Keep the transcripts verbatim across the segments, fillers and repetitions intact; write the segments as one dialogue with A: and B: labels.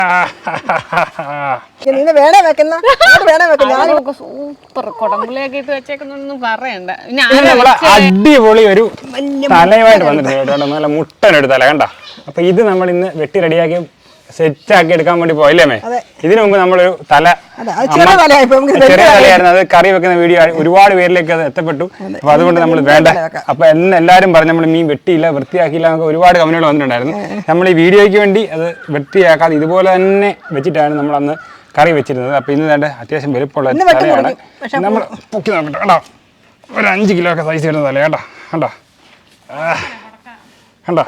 A: Super കൊടമ്പുളിയൊക്കെ ഇട്ട് വെച്ചേക്കുന്നൊന്നും പറയണ്ട.
B: അടിപൊളി ഒരു തലയുമായിട്ട് വന്നിട്ടുണ്ട്. നല്ല മുട്ടനൊരു തല കണ്ട. അപ്പൊ ഇത് നമ്മൾ ഇന്ന് വെട്ടി റെഡിയാക്കി സെറ്റ് ആക്കി എടുക്കാൻ വേണ്ടി പോയില്ലേ മേ? ഇതിനു മുമ്പ് നമ്മളൊരു തല ചെറിയ തലയായിരുന്നു, അത് കറി വെക്കുന്ന വീഡിയോ ഒരുപാട് പേരിലേക്ക് അത് എത്തപ്പെട്ടു. അപ്പൊ അതുകൊണ്ട് നമ്മൾ വേണ്ട, അപ്പൊ എന്ന് എല്ലാവരും പറഞ്ഞു നമ്മൾ മീൻ വെട്ടിയില്ല വൃത്തിയാക്കിയില്ല എന്നൊക്കെ ഒരുപാട് കമന്റുകൾ വന്നിട്ടുണ്ടായിരുന്നു. നമ്മൾ ഈ വീഡിയോയ്ക്ക് വേണ്ടി അത് വൃത്തിയാക്കാതെ ഇതുപോലെ തന്നെ വെച്ചിട്ടാണ് നമ്മൾ അന്ന് കറി വെച്ചിരുന്നത്. അപ്പൊ ഇന്ന് വേണ്ട അത്യാവശ്യം വലുപ്പമുള്ള തലയാണ്. നമ്മൾ പൊക്കി നോക്കട്ടെ കേട്ടോ, ഒരു അഞ്ച് കിലോ ഒക്കെ സൈസ് വരുന്ന തല കേട്ടോ. കണ്ടോ കണ്ടോ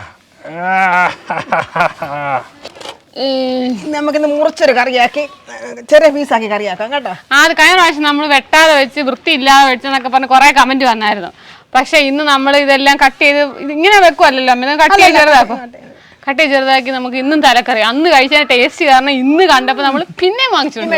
C: നമുക്കിന്ന് മുറിച്ചൊരു കറിയാക്കി ചെറിയ പീസാക്കി കറിയാക്കാം കേട്ടോ.
A: ആ അത് കഴിഞ്ഞ പ്രാവശ്യം നമ്മൾ വെട്ടാതെ വെച്ച് വൃത്തിയില്ലാതെ വെച്ചെന്നൊക്കെ പറഞ്ഞ് കുറെ കമന്റ് വന്നായിരുന്നു. പക്ഷെ ഇന്ന് നമ്മൾ ഇതെല്ലാം കട്ട് ചെയ്ത് ഇങ്ങനെ വെക്കുമല്ലോ, കട്ട് ചെയ്ത് ചെറുതാക്കും. കട്ട് ചെയ്ത് ചെറുതാക്കി നമുക്ക് ഇന്നും തലക്കറി അന്ന് കഴിച്ചാൽ ടേസ്റ്റ് കാരണം ഇന്ന് കണ്ടപ്പോ നമ്മൾ പിന്നെ വാങ്ങിച്ചു.
C: എനിക്ക്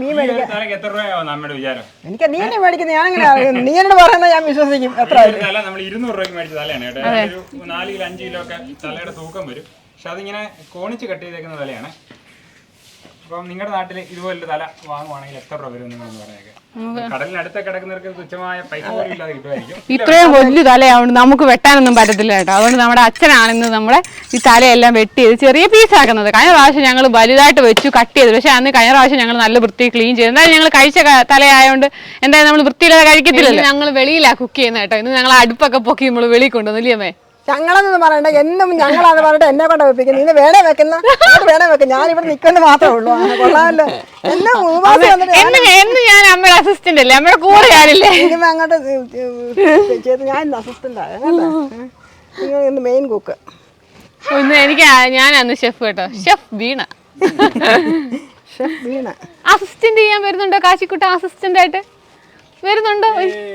C: നീ തന്നെ മേടിക്കുന്നത്, ഞാനങ്ങനെ നീ എന്നോട് പറയുന്നത് ഞാൻ വിശ്വസിക്കും. എത്ര
B: ഇരുന്നൂറ് രൂപയ്ക്ക് മേടിച്ച തലയാണ് കേട്ടോ. നാല് കിലോ അഞ്ച് കിലോ ഒക്കെ തലയുടെ തൂക്കം വരും. പക്ഷെ അതിങ്ങനെ കോണിച്ച് കട്ട് ചെയ്തേക്കുന്ന തലയാണ്. അപ്പം നിങ്ങളുടെ നാട്ടിൽ ഇതുപോലൊരു തല വാങ്ങുവാണെങ്കിൽ എത്ര രൂപ വരും നിങ്ങളെന്ന് പറഞ്ഞേക്കെ? കടലിനടുത്ത് കിടക്കുന്നവർക്ക് തുച്ഛമായ പൈസ പോലും ഇല്ലാതെ കിട്ടുമായിരിക്കും.
A: ഇത്രയും വലിയ തലയാവുകൊണ്ട് നമുക്ക് വെട്ടാനൊന്നും പറ്റത്തില്ല കേട്ടോ. അതുകൊണ്ട് നമ്മുടെ അച്ഛനാണെന്ന് നമ്മളെ ഈ തലയെല്ലാം വെട്ടി ചെയ്ത് ചെറിയ പീസാക്കുന്നത്. കഴിഞ്ഞ പ്രാവശ്യം ഞങ്ങൾ വലുതായിട്ട് വെച്ചു കട്ട് ചെയ്തു. പക്ഷെ അന്ന് കഴിഞ്ഞ പ്രാവശ്യം ഞങ്ങൾ നല്ല വൃത്തി ക്ലീൻ ചെയ്തു. എന്തായാലും ഞങ്ങൾ കഴിച്ച തലയായതുകൊണ്ട് എന്തായാലും നമ്മൾ വൃത്തിയില്ലാതെ കഴിക്കത്തില്ലല്ലോ. ഞങ്ങൾ വെളിയിലാണ് കുക്ക് ചെയ്യുന്നത് കേട്ടോ. ഇന്ന് ഞങ്ങൾ അടുപ്പൊക്കെ പൊക്കി നമ്മൾ വെളിയിൽ കൊണ്ടുവന്നില്ലേ?
C: ഞങ്ങളെന്ന് പറയണ്ട, എന്നും ഞങ്ങളാന്ന് പറഞ്ഞിട്ട് എന്നെ കൊണ്ട് വെപ്പിക്കുന്നു. ഇന്ന് വേണേ വെക്കുന്ന വേണേ വെക്കും, ഞാൻ ഇവിടെ നിൽക്കുന്ന മാത്രമേ ഉള്ളൂ. കൊള്ളാമല്ലോ. എന്നെ
A: ഞാൻ അമ്മയുടെ അസിസ്റ്റന്റ് അല്ലേ, അമ്മയുടെ കൂടെ ആണില്ലേ?
C: ഇനിമ അങ്ങോട്ട് ചെയ്ത് ഞാൻ ഇന്ന് അസിസ്റ്റന്റ് ആകട്ടോ, ഇന്ന് മെയിൻ കുക്ക്.
A: ഇന്ന് എനിക്ക് ഞാനന്ന് ഷെഫ് കേട്ടോ, chef Veena.
C: Chef Veena
A: assistant ചെയ്യാൻ വരുന്നുണ്ടോ കാശിക്കുട്ട? അസിസ്റ്റന്റ് ആയിട്ട് വരുന്നുണ്ടോ?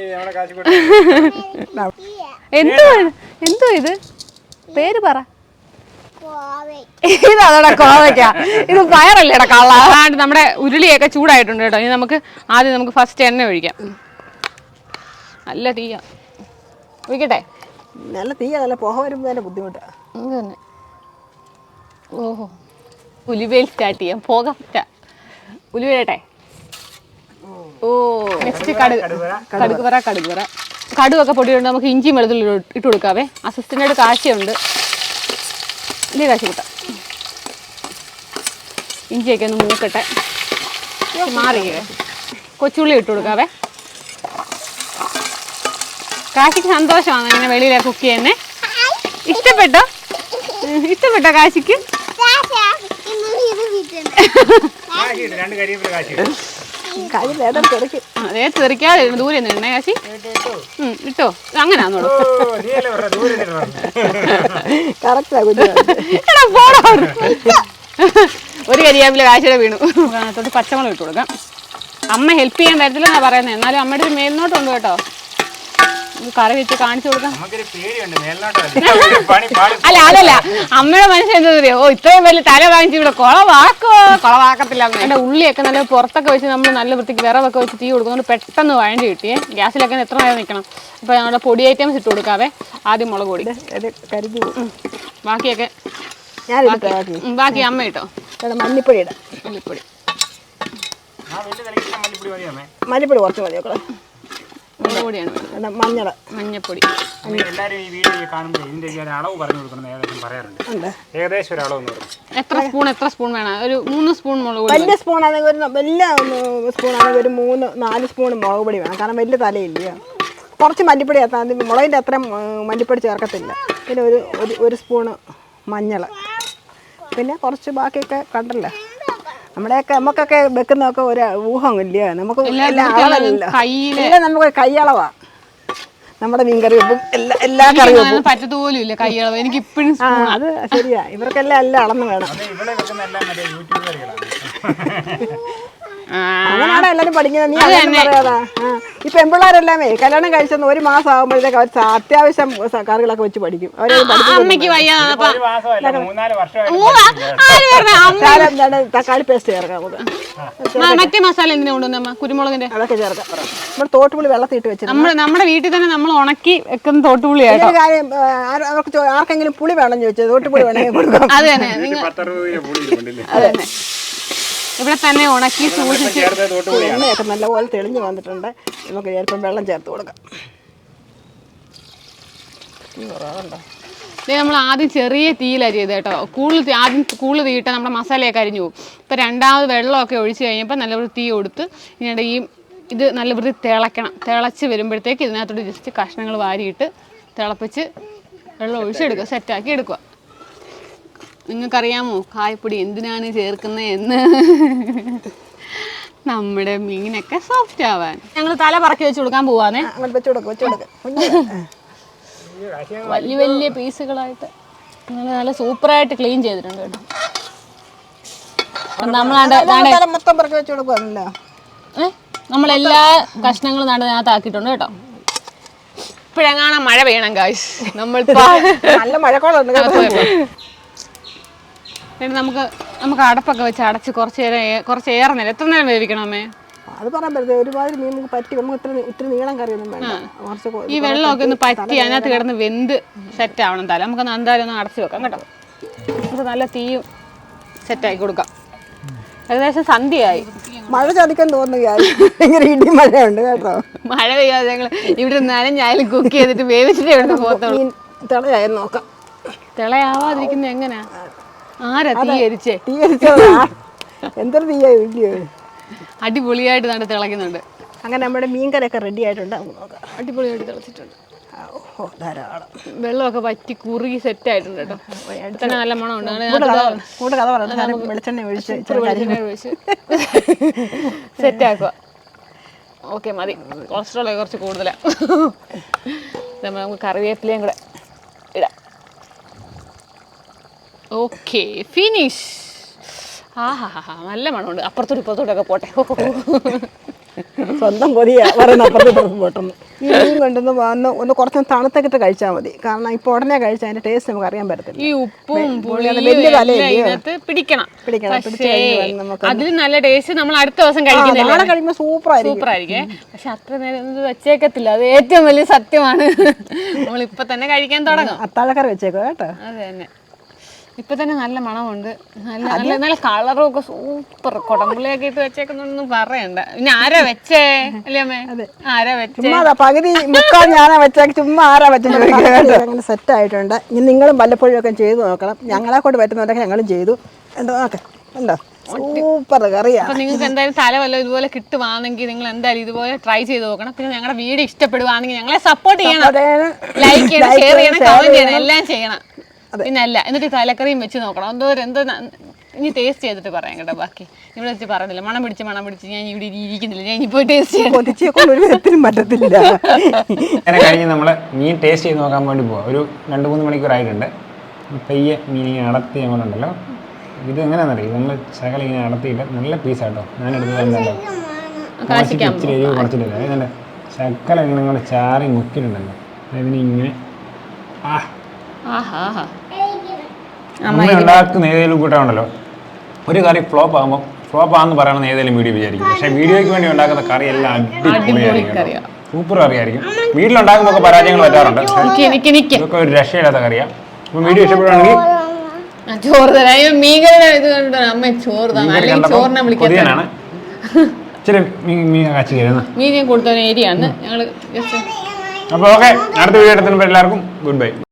A: എന്തോ എന്തോ ഇത് പേര് പറ. ഇതോടെ കോവയ്ക്ക, ഇത് പയറല്ലേടാ കള്ള. അതാണ്ട് നമ്മുടെ ഉരുളിയൊക്കെ ചൂടായിട്ടുണ്ട് കേട്ടോ. ഇനി നമുക്ക് ആദ്യം നമുക്ക് ഫസ്റ്റ് എണ്ണ ഒഴിക്കാം. നല്ല തീയ ഒഴിക്കട്ടെ.
C: നല്ല തീയ, നല്ല പുക വരുമ്പോൾ തന്നെ ബുദ്ധിമുട്ടാണ്.
A: തന്നെ ഓഹോ, ഉലുവയിൽ സ്റ്റാർട്ട് ചെയ്യാം. പുക ഉലുവയിട്ടെ. ഓ നെക്സ്റ്റ് കടുക് കടുക് പറ കടുക് പറ കടുകൊക്കെ പൊടിയുണ്ട്. നമുക്ക് ഇഞ്ചിയും വെളുത്തുള്ളി ഇട്ട് കൊടുക്കാവേ. അസിസ്റ്റൻ്റായിട്ട് കാശിയുണ്ട് ഇല്ലേ കാശി കൂട്ട. ഇഞ്ചിയൊക്കെ ഒന്ന് മൂക്കട്ടെ, മാറിയേ. കൊച്ചുള്ളി ഇട്ട് കൊടുക്കാവേ. കാശിക്ക് സന്തോഷമാണ് ഇങ്ങനെ വെളിയിലെ കുക്ക് ചെയ്യുന്നേ. ഇഷ്ടപ്പെട്ടോ? ഇഷ്ടപ്പെട്ടോ കാശിക്ക്? അതേ തെറിക്കാതെ ദൂരെ നിന്നേ കാശി. ഇട്ടോ അങ്ങനാന്നോളൂ. ഒരു കരിയാപ്പില കാശിയുടെ വീണു. അതിനകത്തോട്ട് പച്ചമുളക് ഇട്ട് കൊടുക്കാം. അമ്മ ഹെൽപ്പ് ചെയ്യാൻ വരത്തില്ലെന്നാ പറയുന്നത്, എന്നാലും അമ്മയുടെ ഒരു മേൽനോട്ടുണ്ട് കേട്ടോ. കറി വെച്ച് കാണിച്ചു കൊടുക്കാം. അല്ല അതല്ല, അമ്മയുടെ മനസ്സിൽ എന്താ അറിയോ, ഓ ഇത്രയും വലിയ തല വാങ്ങിച്ച് ഇവിടെ കുളവാക്കോ കുളവാക്കത്തില്ല. എൻ്റെ ഉള്ളിയൊക്കെ നല്ല പുറത്തൊക്കെ വെച്ച് നമ്മൾ നല്ല വൃത്തിക്ക് വിറവൊക്കെ വെച്ച് തീ കൊടുക്കുന്നതുകൊണ്ട് പെട്ടെന്ന് വഴണ്ടി കിട്ടിയേ. ഗ്യാസിലൊക്കെ എത്ര നേരം നിൽക്കണം. അപ്പോൾ നമ്മുടെ പൊടി ഐറ്റംസ് ഇട്ട് കൊടുക്കാവേ. ആദ്യം മുളക് പൊടി, ബാക്കിയൊക്കെ ബാക്കി അമ്മ ഇട്ടോ.
C: മല്ലിപ്പൊടി ഇടാം.
A: മല്ലിപ്പൊടി
C: മല്ലിപ്പൊടി കുറച്ച് മതി.
A: മുളകുപൊടിയാണ്,
C: മഞ്ഞൾ,
A: മഞ്ഞപ്പൊടി.
B: എല്ലാവരും ഈ വീഡിയോ കാണുമ്പോൾ ഇതിന്റെ ഒരു അളവ് പറഞ്ഞു കൊടുക്കണം ഏകദേശം പറയാറുണ്ട്. ഏകദേശം ഒരു അളവ്
A: എത്ര സ്പൂൺ എത്ര സ്പൂൺ വേണം? ഒരു മൂന്ന് സ്പൂൺ മുളക് പൊടി.
C: വലിയ സ്പൂൺ ആണെങ്കിൽ ഒരു വലിയ സ്പൂൺ ആണെങ്കിൽ ഒരു മൂന്ന് നാല് സ്പൂൺ മുളക് പൊടി വേണം. കാരണം വലിയ തലയില്ല. കുറച്ച് മല്ലിപ്പൊടി ചേർത്താൽ മുളകിൻ്റെ അത്രയും മല്ലിപ്പൊടി ചേർക്കത്തില്ല. പിന്നെ ഒരു ഒരു സ്പൂണ് മഞ്ഞൾ, പിന്നെ കുറച്ച് ബാക്കിയൊക്കെ കണ്ടല്ലോ. നമ്മുടെയൊക്കെ നമുക്കൊക്കെ വെക്കുന്നതൊക്കെ ഒരു ഊഹമില്ല. നമുക്ക് അളവല്ലോ, നമുക്ക് കൈയളവാ നമ്മുടെ മീൻകറി വെപ്പും എല്ലാ എല്ലാ കറി വെപ്പും
A: പറ്റത്തുപോലും ഇല്ല കൈയളവ്. എനിക്ക് ഇപ്പോഴും
C: അത് ശരിയാ. ഇവർക്കെല്ലാം എല്ലാം അളന്ന് വേണം. അങ്ങനെയാണോ എല്ലാരും പഠിക്കുന്നത്? നീ പറയാതാ ഈ പെൺപിള്ളേരെല്ലാമേ കല്യാണം കഴിച്ചെന്ന് ഒരു മാസം ആകുമ്പോഴത്തേക്ക് അവർ അത്യാവശ്യം കറികളൊക്കെ വെച്ച് പഠിക്കും അവരെ
A: അമ്മയ്ക്ക് വയ്യ
B: ഒരു മാസമല്ല മൂന്നാല് വർഷമായിട്ട്
C: തക്കാളി പേസ്റ്റ് ചേർക്കാം നമുക്ക്
A: മറ്റേ മസാല എന്തിനാ കൊണ്ടുവന്നമ്മ കുരുമുളകിന്റെ
C: അതൊക്കെ ചേർക്കാം നമ്മൾ തോട്ടുപുളി വെള്ളത്തിട്ട് വെച്ചിട്ട്
A: നമ്മൾ നമ്മുടെ വീട്ടിൽ തന്നെ നമ്മൾ ഉണക്കി വെക്കുന്ന തോട്ടുപുളിയാട്ടോ.
C: ഒരു കാര്യം അവർക്ക് ചോ- ആർക്കെങ്കിലും പുളി വേണം ചോദിച്ചത് തോട്ടുപുളി വേണമെങ്കിൽ കൊടുക്കാം.
A: അത് തന്നെ നിങ്ങൾ
B: പത്തറുപത് കിലോ പുളി ഇരിപ്പുണ്ടല്ലേ?
A: അത് തന്നെ ഇവിടെ തന്നെ ഉണക്കി സൂക്ഷിച്ച്
B: ചേർത്ത തോട്ടുപുളിയാണ്.
C: എണ്ണയൊക്കെ നല്ലപോലെ തെളിഞ്ഞ് വന്നിട്ടുണ്ട്. നമുക്ക് ചിലപ്പം വെള്ളം ചേർത്ത് കൊടുക്കാം. കുറവുണ്ടോ?
A: നമ്മൾ ആദ്യം ചെറിയ തീയിലാണ് ചെയ്തത് കേട്ടോ. കൂടുതൽ തീ- ആദ്യം കൂടുതൽ തീയിട്ടാൽ നമ്മുടെ മസാലയൊക്കെ അരിഞ്ഞു പോകും. ഇപ്പം രണ്ടാമത് വെള്ളമൊക്കെ ഒഴിച്ച് കഴിഞ്ഞപ്പോൾ നല്ലപോലെ തീ കൊടുത്ത് ഇതിനിടെ ഈ ഇത് നല്ല വൃത്തി തിളയ്ക്കണം. തിളച്ച് വരുമ്പോഴത്തേക്ക് ഇതിനകത്തോട്ട് ജസ്റ്റ് കഷ്ണങ്ങൾ വാരിയിട്ട് തിളപ്പിച്ച് വെള്ളം ഒഴിച്ചെടുക്കുക, സെറ്റാക്കി എടുക്കുക. നിങ്ങൾക്കറിയാമോ കായപ്പൊടി എന്തിനാണ് ചേർക്കുന്നത് എന്ന്? നമ്മുടെ മീനൊക്കെ സോഫ്റ്റ് ആവാൻ. ഞങ്ങൾ തല പറക്കി വെച്ച് കൊടുക്കാൻ പോവാന്നേ.
C: അങ്ങോട്ട് വെച്ച് കൊടുക്കും വെച്ച് കൊടുക്കും
A: വലിയ വലിയ പീസുകളായിട്ട് നല്ല നല്ല സൂപ്പറായിട്ട് ക്ലീൻ ചെയ്തിട്ടുണ്ട് കേട്ടോ. നമ്മളാണ്ട്
C: മൊത്തം പറക്കി വെച്ച് കൊടുക്കുവാണല്ലോ.
A: ഏഹ് നമ്മളെല്ലാ കഷ്ണങ്ങളും നടുന്നതിനകത്ത് ആക്കിയിട്ടുണ്ട് കേട്ടോ. ഇപ്പോഴെങ്ങാണ് മഴ പെയ്യണം കാശ്. നമ്മൾ
C: നല്ല മഴക്കോളുണ്ട്.
A: പിന്നെ നമുക്ക് നമുക്ക് അടപ്പൊക്കെ വെച്ച് അടച്ച് കുറച്ച് നേരം ഏ- കുറച്ച് ഏറെ നേരം എത്ര നേരം വേവിക്കണമേ?
C: അത് പറയാൻ പറ്റത്തില്ല. ഒരുമാതിരി മീൻ നമുക്ക് പറ്റി നമുക്ക് ഇത്ര ഇത്തിരി നീളം കറിയൊന്നും വേണ്ട. കുറച്ച് കൊ-
A: ഈ വെള്ളമൊക്കെ ഒന്ന് പറ്റി അതിനകത്ത് കിടന്ന് വെന്ത് സെറ്റ് ആവണം. തല നമുക്ക് എന്തായാലും ഒന്ന് അടച്ച് വെക്കാം കേട്ടോ. നമുക്ക് നല്ല തീയും സെറ്റാക്കി കൊടുക്കാം. ഏകദേശം സന്ധ്യയായി.
C: മഴ ചതിക്കാൻ തോന്നുകയായി. ഭയങ്കര ഇടി മഴയുണ്ട് കേട്ടോ.
A: മഴ പെയ്യാതെ ഞങ്ങൾ ഇവിടെ നനഞ്ഞായാലും കുക്ക് ചെയ്തിട്ട് വേവിച്ചിട്ടേ ഇവിടെ പോകത്തുള്ളൂ.
C: മീൻ തിളയായി നോക്കാം.
A: തിളയാവാതിരിക്കുന്ന എങ്ങനാ? ആരാ തീ എരിച്ചേ?
C: തീ എരിച്ചത് എന്തൊരു തീയായി ഇല്ലയോ?
A: അടിപൊളിയായിട്ട് നട്ട് തിളയ്ക്കുന്നുണ്ട്.
C: അങ്ങനെ നമ്മുടെ മീൻകറിയൊക്കെ റെഡി ആയിട്ടുണ്ട്. നമുക്ക് നോക്കാം.
A: അടിപൊളിയായിട്ട് തിളച്ചിട്ടുണ്ട്.
C: ഓ ധാരാളം
A: വെള്ളമൊക്കെ വറ്റി കുറുകി സെറ്റ് ആയിട്ടുണ്ട് കേട്ടോ. തന്നെ നല്ല മണമുണ്ട്.
C: കൂടെ കഥ പറയുന്നത് വെളിച്ചെണ്ണ ഒഴിച്ച്
A: ഒഴിച്ച് സെറ്റ് ആക്കുക. ഓക്കെ മതി. കൊളസ്ട്രോൾ കുറച്ച് കൂടുതലാണ്. നമുക്ക് കറിവേപ്പിലയും കൂടെ ഇടാം. Okay finish. ആ ഹാ ഹാ ഹാ നല്ല മണമുണ്ട്. അപ്പുറത്തോട്ട് ഇപ്പുറത്തോട്ടൊക്കെ പോട്ടെ.
C: സ്വന്തം പൊതിയ പറയുന്ന അപ്പുറത്തോട്ട് പോട്ടെന്ന്. ഈ മീൻ കൊണ്ടൊന്ന് വന്ന് ഒന്ന് കുറച്ച് തണുത്തൊക്കെ കഴിച്ചാൽ മതി. കാരണം ഇപ്പോൾ ഉടനെ കഴിച്ചാൽ അതിന്റെ ടേസ്റ്റ് നമുക്ക് അറിയാൻ പറ്റത്തില്ല.
A: ഈ ഉപ്പും പുളിയും
C: വലിയ
A: എല്ലാം
C: തലയില്ലേ?
A: ഇതിനകത്ത് പിടിക്കണം.
C: പിടിക്കണം. പിടിച്ച് കഴിഞ്ഞ് നമുക്ക്
A: അതിൽ നല്ല ടേസ്റ്റ് നമ്മൾ അടുത്ത ദിവസം കഴിക്കുന്നില്ല.
C: നാളെ കഴിയുമ്പോൾ സൂപ്പർ ആയിരിക്കും.
A: സൂപ്പർ ആയിരിക്കും. പക്ഷെ അത്ര നേരം ഇത് വെച്ചേക്കത്തില്ല. അത് ഏറ്റവും വലിയ സത്യമാണ്. നമ്മൾ ഇപ്പൊ തന്നെ കഴിക്കാൻ തുടങ്ങും.
C: അത്താഴക്കറി വെച്ചേക്കോ കേട്ടോ.
A: അത് തന്നെ. ഇപ്പൊ തന്നെ നല്ല മണമുണ്ട്. നല്ല നല്ല നല്ല കളറും ഒക്കെ സൂപ്പർ. കൊടമ്പുള്ളിയൊക്കെ ഇട്ട് വെച്ചേക്കുന്നൊന്നും പറയണ്ട. പിന്നെ ആരാ വെച്ചേ അല്ലേ അമ്മേ? ആരാ വെച്ചേ?
C: ചുമ്മാ പകുതി മുക്കാൽ ഞാനാ വെച്ചാൽ ചുമ്മാ ആരാ വെച്ചെന്ന് അങ്ങനെ സെറ്റ് ആയിട്ടുണ്ട്. ഇനി നിങ്ങളും വല്ലപ്പോഴും ഒക്കെ ചെയ്ത് നോക്കണം. ഞങ്ങളെ കൊണ്ട് പറ്റുന്നവരൊക്കെ ഞങ്ങളും ചെയ്തു. എന്തോ നോക്കെ ഉണ്ടോ സൂപ്പർ കറിയാ.
A: അപ്പൊ നിങ്ങൾക്ക് എന്തായാലും തല വല്ല ഇതുപോലെ കിട്ടുവാണെങ്കിൽ നിങ്ങൾ എന്തായാലും ഇതുപോലെ ട്രൈ ചെയ്ത് നോക്കണം. പിന്നെ ഞങ്ങളുടെ വീഡിയോ ഇഷ്ടപ്പെടുവാണെങ്കിൽ ഞങ്ങളെ സപ്പോർട്ട് ചെയ്യണം. ലൈക്ക് ചെയ്യണം, ഷെയർ ചെയ്യണം, കമന്റ് ചെയ്യണം, എല്ലാം ചെയ്യണം. പിന്നെ അല്ല എന്നിട്ട് തലക്കറിയും വെച്ച് നോക്കണം. എന്തോ എന്തോ ഇനി ടേസ്റ്റ് ചെയ്തിട്ട് പറയാം കേട്ടോ. ബാക്കി ഇവിടെ വെച്ച് പറയുന്നില്ല. മണം പിടിച്ച് മണം പിടിച്ച് ഞാൻ ഇവിടെ ഇരിക്കുന്നില്ല. ഞാൻ ഇനി പോയി ടേസ്റ്റ് ചെയ്യാൻ
C: ഒരു വിധത്തിലും പറ്റത്തില്ല.
B: അങ്ങനെ കഴിഞ്ഞ് നമ്മൾ മീൻ ടേസ്റ്റ് ചെയ്ത് നോക്കാൻ വേണ്ടി പോവാം. ഒരു രണ്ട് മൂന്ന് മണിക്കൂറായിട്ടുണ്ട്. പയ്യെ മീൻ ഇങ്ങനെ അടത്തി ഞങ്ങളുണ്ടല്ലോ. ഇത് എങ്ങനെയാണെന്നറിയാം. നമ്മൾ ശകലം ഇങ്ങനെ അടത്തിയിട്ട് നല്ല പീസാട്ടോ. ഞാൻ എടുത്തത് എന്തല്ലോ ഇച്ചിരി എരിവ് കുറച്ചിട്ടില്ല. ഏതാണ്ട് ശക്കല ഇങ്ങനെ നിങ്ങൾ ചാറി മുക്കിയിട്ടുണ്ടല്ലോ. അതിന് ഇങ്ങനെ ആ നമ്മൾ ഉണ്ടാക്കുന്ന ഏതെങ്കിലും കൂട്ടമുണ്ടല്ലോ. ഒരു കറി ഫ്ലോപ്പ് ആകുമ്പോൾ ഫ്ലോപ്പ് ആണെന്ന് പറയണമെന്ന് ഏതെങ്കിലും വീഡിയോ വിചാരിക്കും. പക്ഷേ വീഡിയോയ്ക്ക് വേണ്ടി ഉണ്ടാക്കുന്ന കറി എല്ലാം അടിപൊളിയായിരിക്കും. സൂപ്പർ കറിയായിരിക്കും. വീട്ടിലുണ്ടാക്കുമ്പോൾ പരാജയങ്ങൾ പറ്റാറുണ്ട്. ഇതൊക്കെ ഒരു രക്ഷയില്ലാത്ത കറിയാണ്. അപ്പം വീഡിയോ ഇഷ്ടപ്പെടുകയാണെങ്കിൽ
A: ചോറ് തരാം. മീൻകറിയുടെ ഇത് കണ്ടിട്ടാണ് അമ്മ ചോറ് തന്നെ ചോറിനെ വിളിക്കാനാണ്.
B: ഇച്ചിരി മീൻ കാച്ചി കയറുന്ന
A: മീൻ ഞാൻ കൊടുത്ത ഏരിയ ആണ് ഞങ്ങൾ ജസ്റ്റ്.
B: അപ്പോൾ ഓക്കെ, അടുത്ത വീഡിയോ എടുത്തപ്പോൾ എല്ലാവർക്കും ഗുഡ് ബൈ.